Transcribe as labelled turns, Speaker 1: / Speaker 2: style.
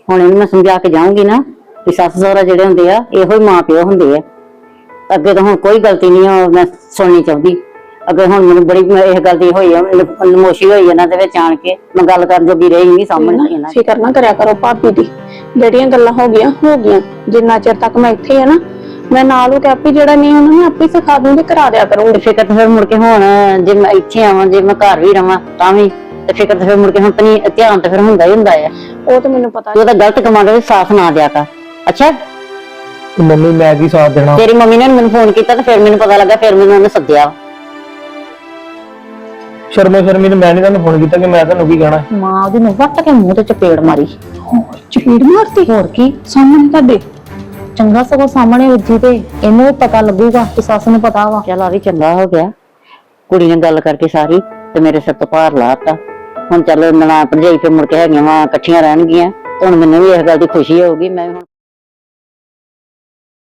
Speaker 1: ਹੁਣ ਇਹਨੂੰ मैं समझा के जाऊंगी ना कि सस सहुरा ਜਿਹੜੇ ਹੁੰਦੇ ਆ ਇਹੋ ਹੀ ਮਾਂ ਪਿਓ ਹੁੰਦੇ ਆ। ਅੱਗੇ ਤਾਂ ਹੁਣ ਕੋਈ ਗਲਤੀ ਨਹੀਂ ਆ ਮੈਂ ਸੁਣਨੀ ਚਾਹੁੰਦੀ। ਅੱਗੇ ਹੁਣ ਮੈਨੂੰ ਬੜੀ ਇਹ ਗੱਲ ਦੀ ਹੋਈ ਆ ਨਮੋਸ਼ੀ ਹੋਈ ਇਹਨਾਂ ਦੇ ਵਿੱਚ ਆਣ ਕੇ ਮੈਂ ਗੱਲ ਕਰਨ ਜੋਗੀ ਰਹੀ ਨਹੀਂ ਸਾਹਮਣੇ ਇਹਨਾਂ।
Speaker 2: ਫਿਕਰ ਨਾ ਕਰਿਆ ਕਰੋ ਭਾਬੀ ਦੀ, ਜਿਹੜੀਆਂ ਗੱਲਾਂ ਹੋ ਗਈਆਂ ਜਿੰਨਾ ਚਿਰ ਤੱਕ ਮੈਂ ਇੱਥੇ ਆ ਨਾ ਮੈਂ ਨਾਲ ਉਹ ਕਹਿ ਜਿਹੜਾ ਨਹੀਂ ਉਹਨਾਂ ਨੇ ਆਪੇ ਸਿਖਾ ਦੂੰਗੀ ਕਰਾ ਦਿਆ ਕਰੂੰਗੀ।
Speaker 1: ਫਿਕਰ ਤਾਂ ਫਿਰ ਮੁੜ ਕੇ ਹੁਣ ਜੇ ਮੈਂ ਇੱਥੇ ਆਵਾਂ ਜੇ ਮੈਂ ਘਰ ਵੀ ਰਵਾਂ ਤਾਂ ਵੀ ਤੇ ਫਿਕਰ ਤਾਂ ਫਿਰ ਮੁੜ ਕੇ ਹੁਣ ਤਨੀ ਧਿਆਨ ਤਾਂ ਫਿਰ ਹੁੰਦਾ ਹੀ ਹੁੰਦਾ ਆ।
Speaker 2: ਉਹ ਤਾਂ ਮੈਨੂੰ ਪਤਾ
Speaker 1: ਉਹਦਾ ਗਲਤ ਕਮਾਂਡ ਦੇ ਸਾਥ ਨਾ ਦਿਆ ਕਰ। ਅੱਛਾ
Speaker 3: ਮੰਮੀ ਮੈਂ ਕੀ ਸਾਥ ਦੇਣਾ?
Speaker 1: ਤੇਰੀ ਮੰਮੀ ਨੇ ਮੈਨੂੰ ਫੋਨ ਕੀਤਾ ਤੇ ਫਿਰ ਮੈਨੂੰ ਪਤਾ ਲੱਗਾ, ਫਿਰ ਮੈਨੂੰ ਉਹਨੇ ਸੱਦਿਆ।
Speaker 3: ਸ਼ਰਮੋ ਸ਼ਰਮੀ ਨੇ ਮੈਂ ਨਹੀਂ ਤੁਹਾਨੂੰ ਫੋਨ ਕੀਤਾ ਕਿ ਮੈਂ ਤੁਹਾਨੂੰ ਕੀ ਕਹਿਣਾ।
Speaker 1: ਮਾਂ ਉਹਦੀ ਨੂੰ ਵੱਟ ਕੇ ਮੂੰਹ ਤੇ ਚਪੇੜ ਮਾਰੀ।
Speaker 2: ਚਪੇੜ ਮਾਰਤੀ?
Speaker 1: ਹੋਰ ਕੀ
Speaker 2: ਸਾਹਮਣੇ ਤੁਹਾਡੇ?
Speaker 1: ਚੰਗਾ ਸਗੋਂ ਸਾਹਮਣੇ ਵੱਜੀ ਤੇ ਇਹਨੂੰ ਪਤਾ ਲੱਗੂਗਾ ਕਿ ਸੱਸ ਨੂੰ ਪਤਾ ਵਾ। ਚੱਲ ਆ ਵੀ ਚੰਗਾ ਹੋ ਗਿਆ, ਕੁੜੀ ਨੇ ਗੱਲ ਕਰਕੇ ਸਾਰੀ ਤੇ ਮੇਰੇ ਸਿਰ ਤੋਂ ਭਾਰ ਲਾਤਾ। ਹੁਣ ਚੱਲ ਨਣਾ ਭਰਜਾਈ ਫਿਰ ਮੁੜ ਕੇ ਹੈਗੀਆਂ ਵਾ ਇਕੱਠੀਆਂ ਰਹਿਣਗੀਆਂ। ਹੁਣ ਮੈਨੂੰ ਵੀ ਇਸ ਗੱਲ ਦੀ ਖੁਸ਼ੀ ਹੋਊਗੀ। ਮੈਂ ਹੁਣ